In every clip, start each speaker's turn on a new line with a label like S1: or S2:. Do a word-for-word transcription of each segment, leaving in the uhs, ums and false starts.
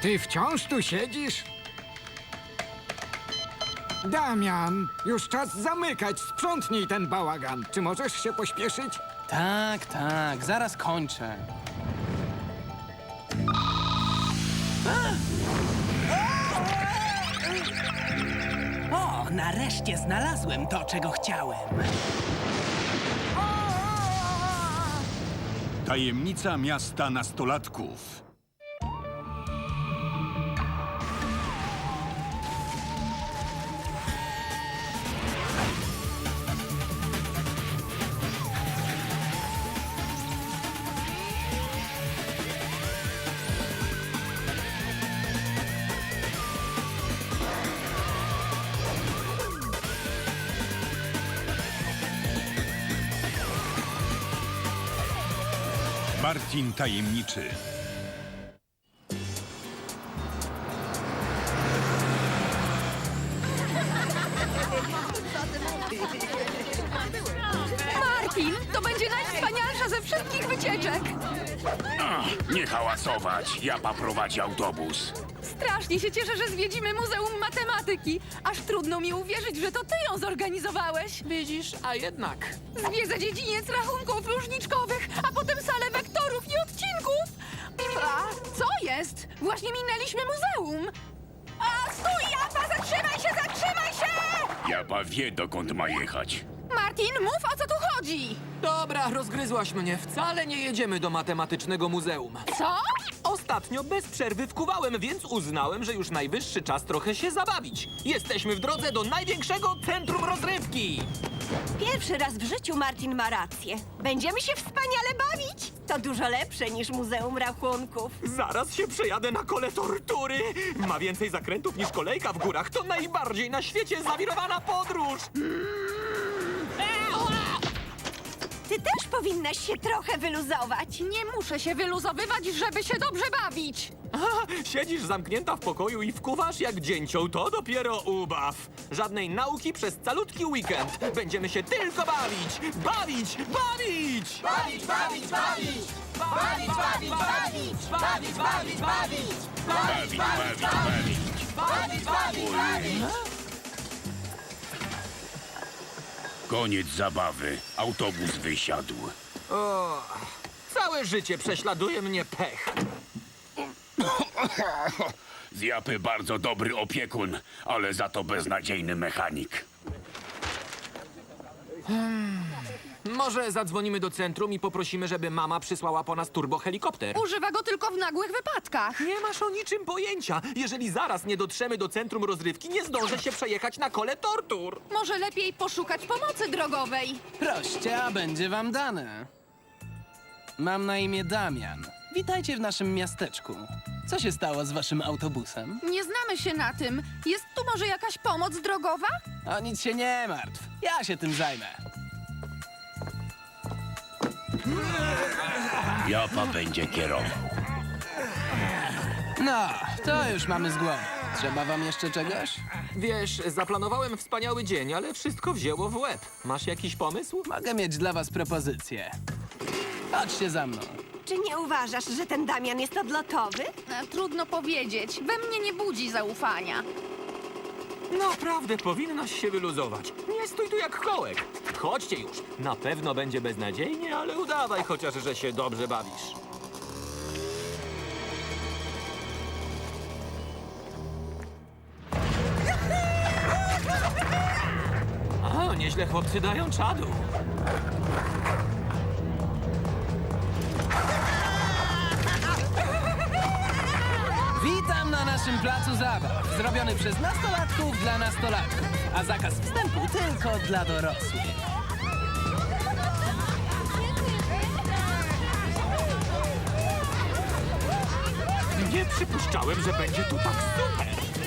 S1: Ty wciąż tu siedzisz? Damian, już czas zamykać. Sprzątnij ten bałagan. Czy możesz się pośpieszyć?
S2: Tak, tak, zaraz kończę. O, nareszcie znalazłem to, czego chciałem.
S3: Tajemnica miasta nastolatków. Martin Tajemniczy.
S4: Martin, to będzie najwspanialsza ze wszystkich wycieczek!
S5: Nie hałasować, ja poprowadzi autobus.
S4: Strasznie się cieszę, że zwiedzimy Muzeum Matematyki. Aż trudno mi uwierzyć, że to ty ją zorganizowałeś.
S6: Widzisz, a jednak.
S4: Zwiedza dziedziniec rachunków różniczkowych, a potem salę wektorów i odcinków. A co jest? Właśnie minęliśmy muzeum. A stój, Japa! Zatrzymaj się, zatrzymaj się!
S5: Japa wie, dokąd ma jechać.
S4: Martin, mów, o co tu chodzi.
S6: Dobra, rozgryzłaś mnie. Wcale nie jedziemy do matematycznego muzeum.
S4: Co?
S6: Ostatnio bez przerwy wkuwałem, więc uznałem, że już najwyższy czas trochę się zabawić. Jesteśmy w drodze do największego centrum rozrywki.
S7: Pierwszy raz w życiu Martin ma rację. Będziemy się wspaniale bawić. To dużo lepsze niż Muzeum Rachunków.
S6: Zaraz się przejadę na kole tortury. Ma więcej zakrętów niż kolejka w górach. To najbardziej na świecie zawirowana podróż.
S7: Ty też powinnaś się trochę wyluzować.
S4: Nie muszę się wyluzowywać, żeby się dobrze bawić.
S6: Aha, siedzisz zamknięta w pokoju i wkuwasz jak dzięcioł. To dopiero ubaw. Żadnej nauki przez calutki weekend. Będziemy się tylko bawić. Bawić, bawić! Bawić, bawić, bawić! Bawić, bawić, bawić! Bawić, bawić, bawić!
S5: Bawić, bawić, bawić.
S6: Bawić, bawić, bawić!
S5: Koniec zabawy. Autobus wysiadł.
S6: O, całe życie prześladuje mnie pech.
S5: Z Japy bardzo dobry opiekun, ale za to beznadziejny mechanik.
S6: Może zadzwonimy do centrum i poprosimy, żeby mama przysłała po nas turbohelikopter.
S4: Używa go tylko w nagłych wypadkach.
S6: Nie masz o niczym pojęcia. Jeżeli zaraz nie dotrzemy do centrum rozrywki, nie zdążę się przejechać na kole tortur.
S4: Może lepiej poszukać pomocy drogowej.
S2: Proście, a będzie wam dane. Mam na imię Damian. Witajcie w naszym miasteczku. Co się stało z waszym autobusem?
S4: Nie znamy się na tym. Jest tu może jakaś pomoc drogowa?
S2: O nic się nie martw. Ja się tym zajmę.
S5: Japa będzie kierował.
S2: No, to już mamy z głowy. Trzeba wam jeszcze czegoś?
S6: Wiesz, zaplanowałem wspaniały dzień, ale wszystko wzięło w łeb. Masz jakiś pomysł?
S2: Mogę mieć dla was propozycję. Chodźcie za mną.
S7: Czy nie uważasz, że ten Damian jest odlotowy?
S4: E, Trudno powiedzieć. We mnie nie budzi zaufania.
S6: Naprawdę, powinnaś się wyluzować. Nie stój tu jak kołek. Chodźcie już. Na pewno będzie beznadziejnie, ale udawaj chociaż, że się dobrze bawisz. A, nieźle chłopcy dają czadu.
S2: Witam na naszym placu zabaw. Zrobiony przez nastolatków dla nastolatków. A zakaz wstępu tylko dla dorosłych.
S6: Nie przypuszczałem, że będzie tu tak super.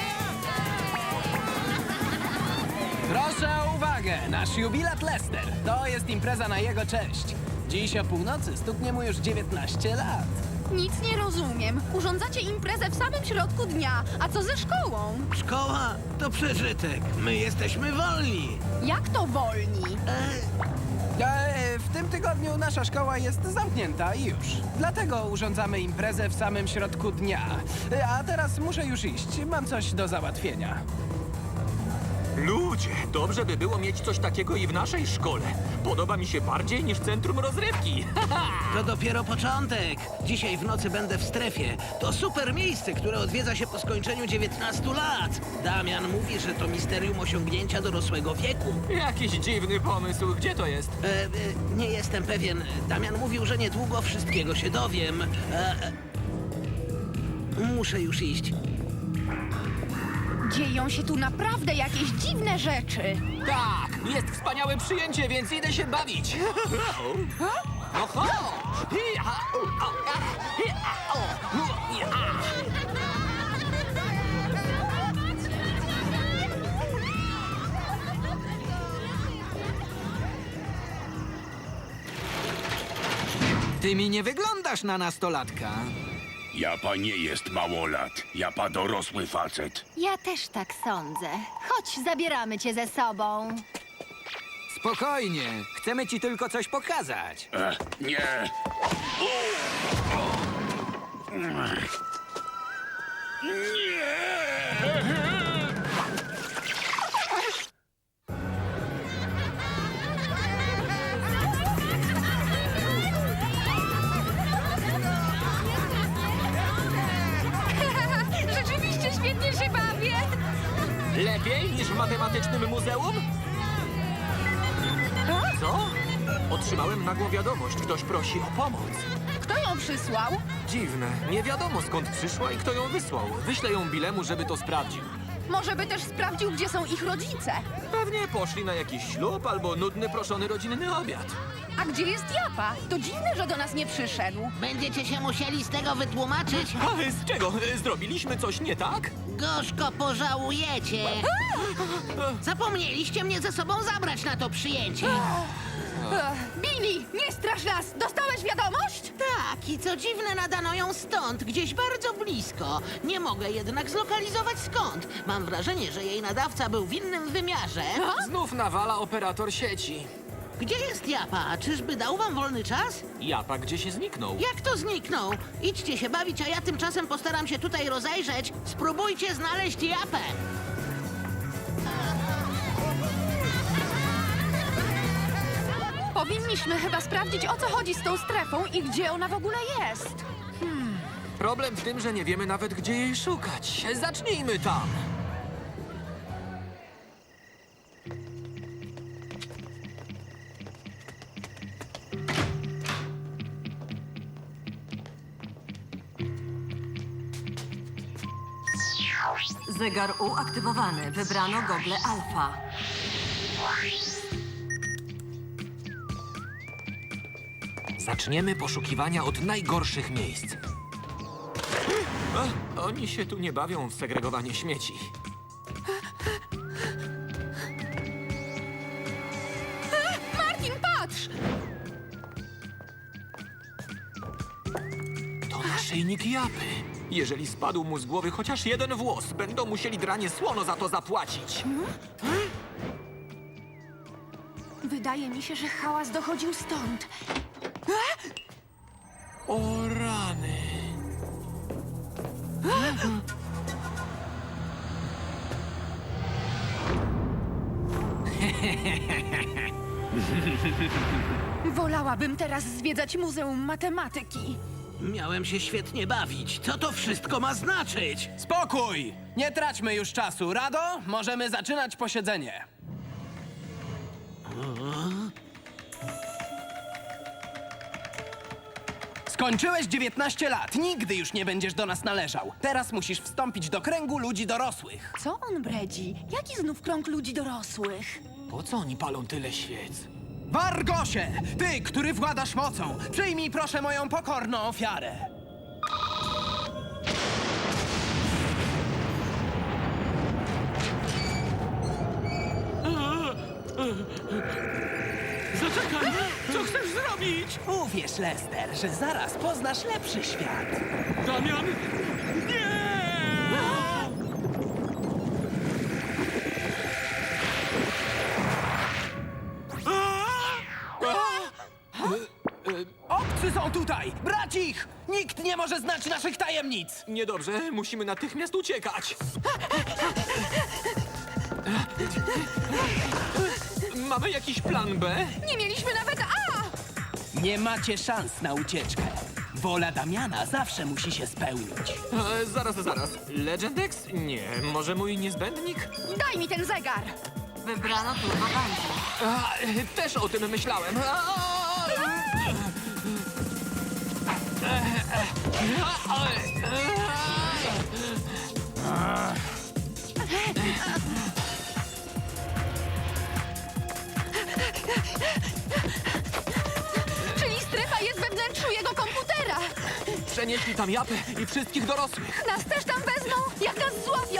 S2: Proszę o uwagę, nasz jubilat Lester. To jest impreza na jego cześć. Dziś o północy stuknie mu już dziewiętnaście lat.
S4: Nic nie rozumiem. Urządzacie imprezę w samym środku dnia. A co ze szkołą?
S8: Szkoła to przeżytek. My jesteśmy wolni.
S4: Jak to wolni?
S8: E,
S2: E, w tym tygodniu nasza szkoła jest zamknięta i już. Dlatego urządzamy imprezę w samym środku dnia. E, A teraz muszę już iść. Mam coś do załatwienia.
S6: Ludzie, dobrze by było mieć coś takiego i w naszej szkole. Podoba mi się bardziej niż centrum rozrywki.
S8: To dopiero początek. Dzisiaj w nocy będę w strefie. To super miejsce, które odwiedza się po skończeniu dziewiętnastu lat. Damian mówi, że to misterium osiągnięcia dorosłego wieku.
S6: Jakiś dziwny pomysł. Gdzie to jest?
S8: E, e, nie jestem pewien. Damian mówił, że niedługo wszystkiego się dowiem. E, e, muszę już iść.
S4: Dzieją się tu naprawdę jakieś dziwne rzeczy.
S6: Tak, jest wspaniałe przyjęcie, więc idę się bawić. No chodź! Hi, ha, u, o, a, hi, a, o, u, i, a.
S1: Ty mi nie wyglądasz na nastolatka.
S5: Japa nie jest małolat. Japa dorosły facet.
S9: Ja też tak sądzę. Chodź, zabieramy cię ze sobą.
S1: Spokojnie, chcemy ci tylko coś pokazać.
S5: E, nie.
S4: Rzeczywiście świetnie się bawię.
S6: Lepiej niż w matematycznym muzeum? Co? Otrzymałem nagłą wiadomość. Ktoś prosi o pomoc.
S4: Kto ją przysłał?
S6: Dziwne. Nie wiadomo skąd przyszła i kto ją wysłał. Wyślę ją Bilemu, żeby to sprawdził.
S4: Może by też sprawdził, gdzie są ich rodzice.
S6: Pewnie poszli na jakiś ślub albo nudny, proszony rodzinny obiad.
S4: A gdzie jest Japa? To dziwne, że do nas nie przyszedł.
S8: Będziecie się musieli z tego wytłumaczyć.
S6: A z czego? Zrobiliśmy coś nie tak?
S8: Gorzko pożałujecie. Zapomnieliście mnie ze sobą zabrać na to przyjęcie.
S4: Ech, Billy, nie strasz nas! Dostałeś wiadomość?
S8: Tak, i co dziwne, nadano ją stąd, gdzieś bardzo blisko. Nie mogę jednak zlokalizować skąd. Mam wrażenie, że jej nadawca był w innym wymiarze.
S6: Znów nawala operator sieci.
S8: Gdzie jest Japa? Czyżby dał wam wolny czas?
S6: Japa gdzie się zniknął?
S8: Jak to zniknął? Idźcie się bawić, a ja tymczasem postaram się tutaj rozejrzeć. Spróbujcie znaleźć Japę.
S4: Powinniśmy chyba sprawdzić, o co chodzi z tą strefą i gdzie ona w ogóle jest.
S6: Problem w tym, że nie wiemy nawet, gdzie jej szukać. Zacznijmy tam.
S10: Zegar uaktywowany. Wybrano gogle alfa.
S6: Zaczniemy poszukiwania od najgorszych miejsc. A, oni się tu nie bawią w segregowanie śmieci.
S4: Martin, patrz!
S6: To naszyjnik Japy. Jeżeli spadł mu z głowy chociaż jeden włos, będą musieli dranie słono za to zapłacić.
S4: Wydaje mi się, że hałas dochodził stąd.
S6: O rany.
S4: Wolałabym teraz zwiedzać Muzeum Matematyki.
S8: Miałem się świetnie bawić. Co to wszystko ma znaczyć?
S2: Spokój! Nie traćmy już czasu. Rado, możemy zaczynać posiedzenie. Skończyłeś dziewiętnaście lat. Nigdy już nie będziesz do nas należał. Teraz musisz wstąpić do kręgu ludzi dorosłych.
S4: Co on bredzi? Jaki znów krąg ludzi dorosłych?
S6: Po co oni palą tyle świec?
S2: Wargosie! Ty, który władasz mocą, przyjmij proszę moją pokorną ofiarę.
S6: Zaczekaj! Co chcesz zrobić?
S2: Uwierz, Lester, że zaraz poznasz lepszy świat.
S6: Damian! Nie! A!
S2: Chłopcy są tutaj! Brać ich! Nikt nie może znać naszych tajemnic!
S6: Niedobrze, musimy natychmiast uciekać. Mamy jakiś plan B?
S4: Nie mieliśmy nawet A!
S2: Nie macie szans na ucieczkę. Wola Damiana zawsze musi się spełnić.
S6: E, zaraz, zaraz. Legendex? Nie. Może mój niezbędnik?
S4: Daj mi ten zegar!
S10: Wybrano Turbo Bungee.
S6: A, e, też o tym myślałem. A,
S4: Czyli strefa jest we wnętrzu jego komputera!
S6: Przenieśli tam Japę i wszystkich dorosłych.
S4: Nas też tam wezmą, jak nas złapią!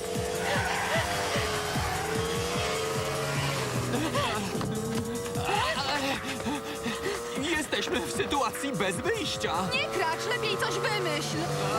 S6: Jesteśmy w sytuacji bez wyjścia.
S4: Nie kracz, lepiej coś wymyśl!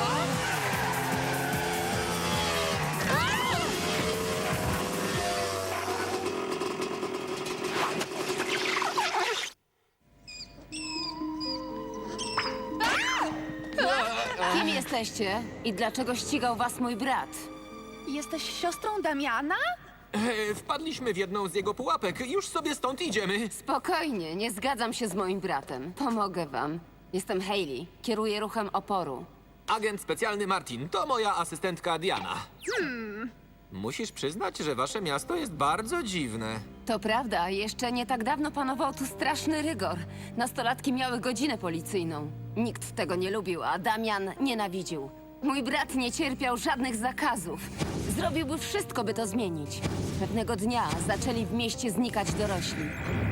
S10: Kim jesteście i dlaczego ścigał was mój brat?
S4: Jesteś siostrą Damiana?
S6: E, wpadliśmy w jedną z jego pułapek. Już sobie stąd idziemy.
S10: Spokojnie, nie zgadzam się z moim bratem. Pomogę wam. Jestem Hayley, kieruję ruchem oporu.
S6: Agent specjalny Martin, to moja asystentka Diana. Hmm. Musisz przyznać, że wasze miasto jest bardzo dziwne.
S10: To prawda, jeszcze nie tak dawno panował tu straszny rygor. Nastolatki miały godzinę policyjną. Nikt tego nie lubił, a Damian nienawidził. Mój brat nie cierpiał żadnych zakazów. Zrobiłby wszystko, by to zmienić. Pewnego dnia zaczęli w mieście znikać dorośli.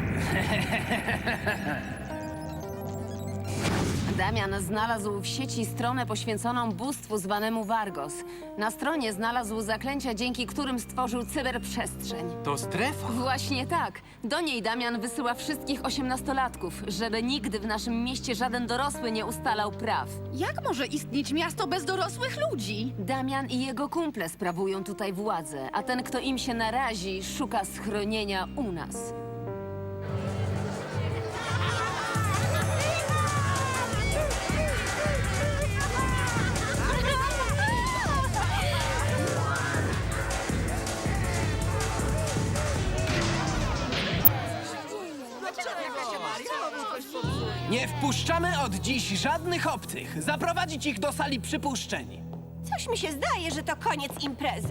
S10: Damian znalazł w sieci stronę poświęconą bóstwu zwanemu Vargos. Na stronie znalazł zaklęcia, dzięki którym stworzył cyberprzestrzeń.
S6: To strefa.
S10: Właśnie tak. Do niej Damian wysyła wszystkich osiemnastolatków, żeby nigdy w naszym mieście żaden dorosły nie ustalał praw.
S4: Jak może istnieć miasto bez dorosłych ludzi?
S10: Damian i jego kumple sprawują tutaj władzę, a ten, kto im się narazi, szuka schronienia u nas.
S2: Nie wpuszczamy od dziś żadnych obcych. Zaprowadzić ich do sali przypuszczeń.
S7: Coś mi się zdaje, że to koniec imprezy.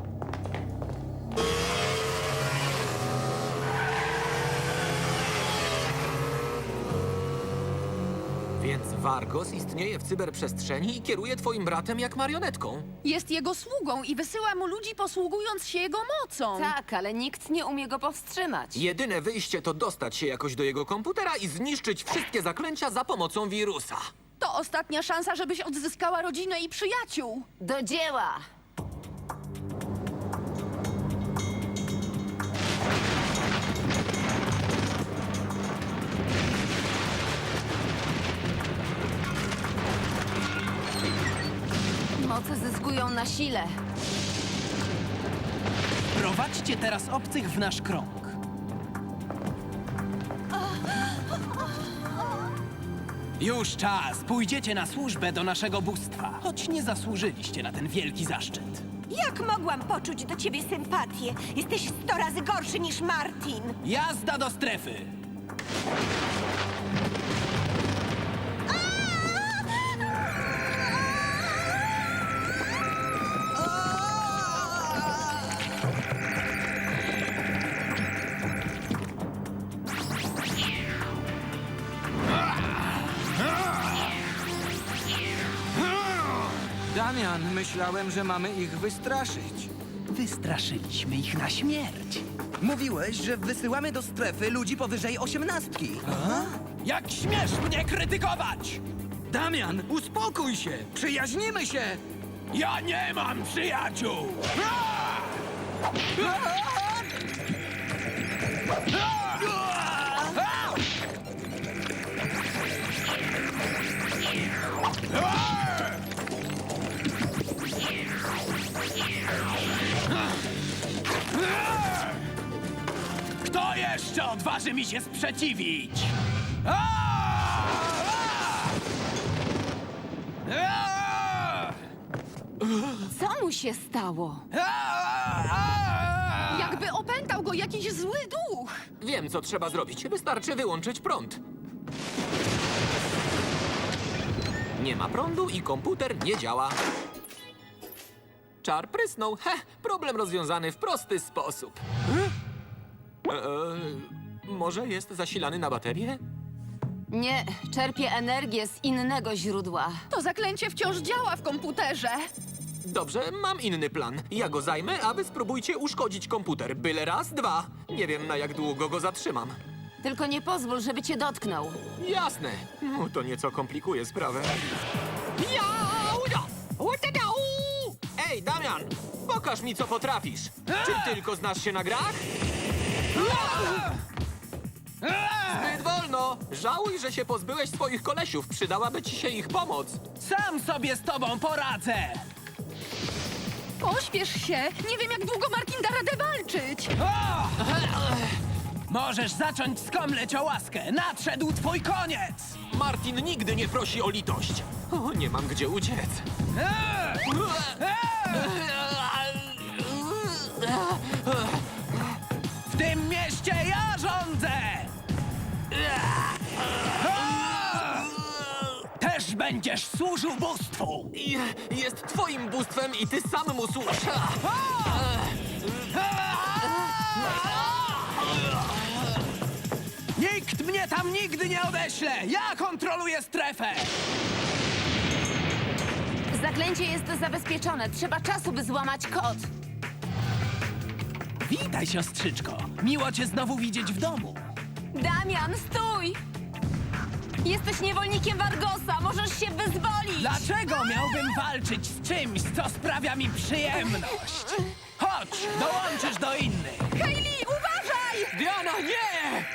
S6: Więc Vargos istnieje w cyberprzestrzeni i kieruje twoim bratem jak marionetką.
S4: Jest jego sługą i wysyła mu ludzi posługując się jego mocą.
S10: Tak, ale nikt nie umie go powstrzymać.
S6: Jedyne wyjście to dostać się jakoś do jego komputera i zniszczyć wszystkie zaklęcia za pomocą wirusa.
S4: To ostatnia szansa, żebyś odzyskała rodzinę i przyjaciół.
S10: Do dzieła! Moce zyskują na sile.
S2: Prowadźcie teraz obcych w nasz krąg. Już czas. Pójdziecie na służbę do naszego bóstwa, choć nie zasłużyliście na ten wielki zaszczyt.
S7: Jak mogłam poczuć do ciebie sympatię? Jesteś sto razy gorszy niż Martin.
S2: Jazda do strefy!
S1: Damian, myślałem, że mamy ich wystraszyć.
S2: Wystraszyliśmy ich na śmierć.
S11: Mówiłeś, że wysyłamy do strefy ludzi powyżej osiemnastki.
S2: Jak śmiesz mnie krytykować?
S1: Damian, uspokój się! Przyjaźnimy się!
S2: Ja nie mam przyjaciół! Kto jeszcze odważy mi się sprzeciwić? Aaaa!
S10: mu się stało?
S4: Jakby opętał go jakiś zły duch.
S6: Wiem, co trzeba zrobić. Wystarczy wyłączyć prąd. Nie ma prądu i komputer nie działa. Czar prysnął. Heh, problem rozwiązany w prosty sposób. Eee, może jest zasilany na baterię?
S10: Nie, czerpie energię z innego źródła.
S4: To zaklęcie wciąż działa w komputerze.
S6: Dobrze, mam inny plan. Ja go zajmę, a wy spróbujcie uszkodzić komputer. Byle raz, dwa. Nie wiem, na jak długo go zatrzymam.
S10: Tylko nie pozwól, żeby cię dotknął.
S6: Jasne. No, to nieco komplikuje sprawę. Jau, ja, utadau! Ej, Damian, pokaż mi, co potrafisz. Czy tylko znasz się na grach? Zbyt wolno. Żałuj, że się pozbyłeś swoich kolesiów. Przydałaby ci się ich pomoc.
S2: Sam sobie z tobą poradzę!
S4: Pośpiesz się. Nie wiem, jak długo Martin da radę walczyć.
S2: O! Możesz zacząć skomleć o łaskę. Nadszedł twój koniec!
S6: Martin nigdy nie prosi o litość. O, nie mam gdzie uciec.
S2: W tym mieście ja rządzę! Też będziesz służył bóstwu!
S6: I- Jest twoim bóstwem i ty sam mu służ.
S2: Nikt mnie tam nigdy nie odeśle! Ja kontroluję strefę!
S10: Zaklęcie jest zabezpieczone. Trzeba czasu, by złamać kod.
S2: Witaj, siostrzyczko. Miło cię znowu widzieć w domu.
S10: Damian, stój! Jesteś niewolnikiem Vargosa. Możesz się wyzwolić.
S2: Dlaczego miałbym walczyć z czymś, co sprawia mi przyjemność? Chodź, dołączysz do innych.
S4: Hayley, uważaj!
S6: Diana, nie!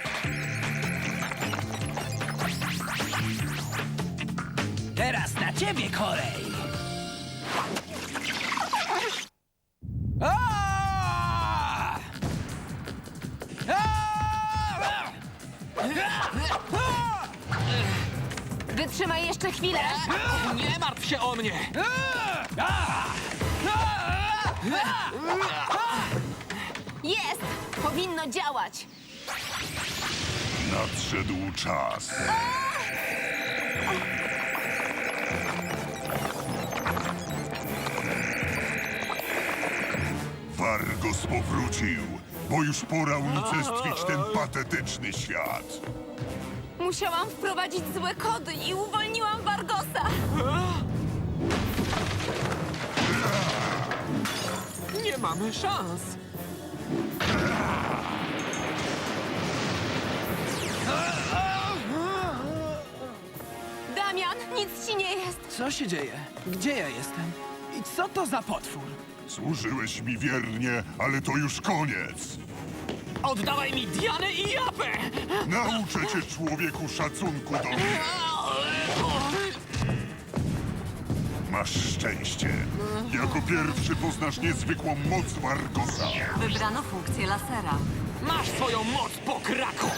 S2: Teraz na ciebie kolej. Aaaa! Aaaa!
S10: Wytrzymaj jeszcze chwilę.
S6: Nie martw się o mnie!
S10: Jest! Powinno działać.
S3: Nadszedł czas. Vargos powrócił, bo już pora unicestwić ten patetyczny świat.
S10: Musiałam wprowadzić złe kody i uwolniłam Vargosa.
S6: Nie mamy szans.
S10: Damian, nic ci nie jest.
S2: Co się dzieje? Gdzie ja jestem? I co to za potwór?
S3: Służyłeś mi wiernie, ale to już koniec.
S6: Oddawaj mi Dianę i Japę!
S3: Nauczę cię, człowieku, szacunku do mnie. Masz szczęście. Jako pierwszy poznasz niezwykłą moc Vargosa.
S10: Wybrano funkcję lasera.
S6: Masz swoją moc, pokraku!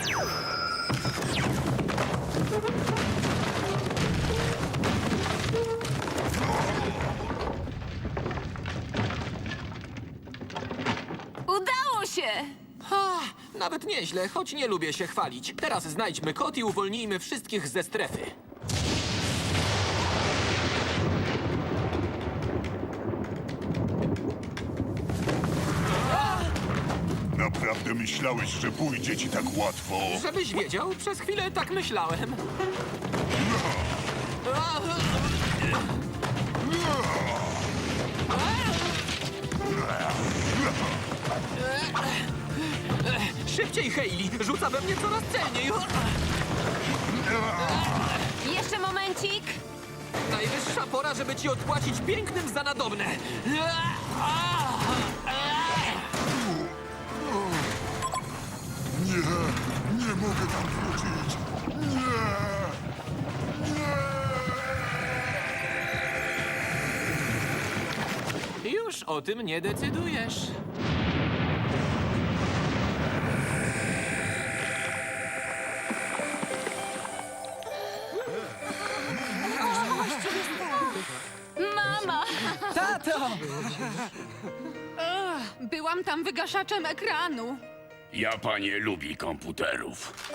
S10: Udało się!
S6: Ha, nawet nieźle, choć nie lubię się chwalić. Teraz znajdźmy kod i uwolnijmy wszystkich ze strefy.
S3: Naprawdę myślałeś, że pójdzie ci tak łatwo?
S6: Żebyś wiedział, przez chwilę tak myślałem. Szybciej, Hayley! Rzuca we mnie coraz celniej!
S10: Jeszcze momencik.
S6: Najwyższa pora, żeby ci odpłacić pięknym za nadobne!
S3: Nie, nie mogę tam wrócić. Nie!
S6: Już o tym nie decydujesz.
S10: Mama!
S2: Tato! to!
S4: Byłam tam wygaszaczem ekranu.
S5: Japan nie lubi komputerów.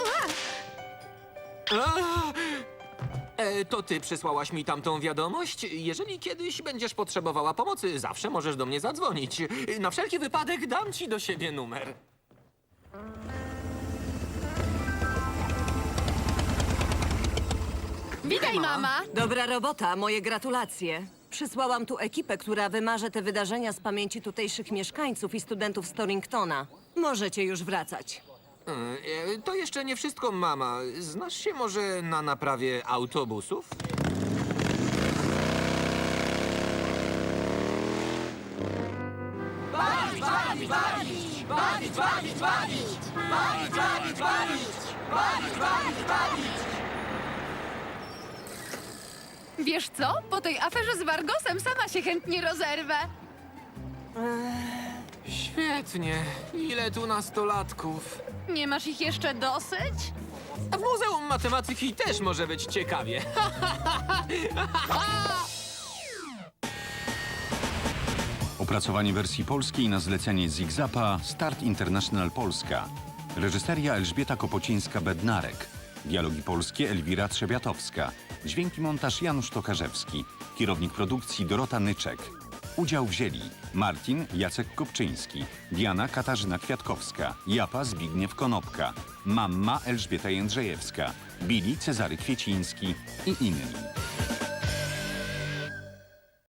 S6: A! E, to ty przysłałaś mi tamtą wiadomość? Jeżeli kiedyś będziesz potrzebowała pomocy, zawsze możesz do mnie zadzwonić. Na wszelki wypadek dam ci do siebie numer.
S4: Witaj, mama.
S7: Dobra robota, moje gratulacje. Przysłałam tu ekipę, która wymaże te wydarzenia z pamięci tutejszych mieszkańców i studentów z Torringtona. Możecie już wracać.
S6: E, to jeszcze nie wszystko, mama. Znasz się może na naprawie autobusów?
S4: Wiesz co? Po tej aferze z Vargosem sama się chętnie rozerwę.
S6: Świetnie. Ile tu nastolatków?
S4: Nie masz ich jeszcze dosyć?
S6: A w Muzeum Matematyki też może być ciekawie.
S12: Opracowanie wersji polskiej na zlecenie Zigzapa Start International Polska. Reżyseria Elżbieta Kopocińska-Bednarek. Dialogi polskie Elwira Trzebiatowska. Dźwięki montaż Janusz Tokarzewski. Kierownik produkcji Dorota Nyczek. Udział wzięli Martin Jacek Kopczyński, Diana Katarzyna Kwiatkowska, Japa Zbigniew Konopka, Mamma Elżbieta Jędrzejewska, Billy Cezary Kwieciński i inni.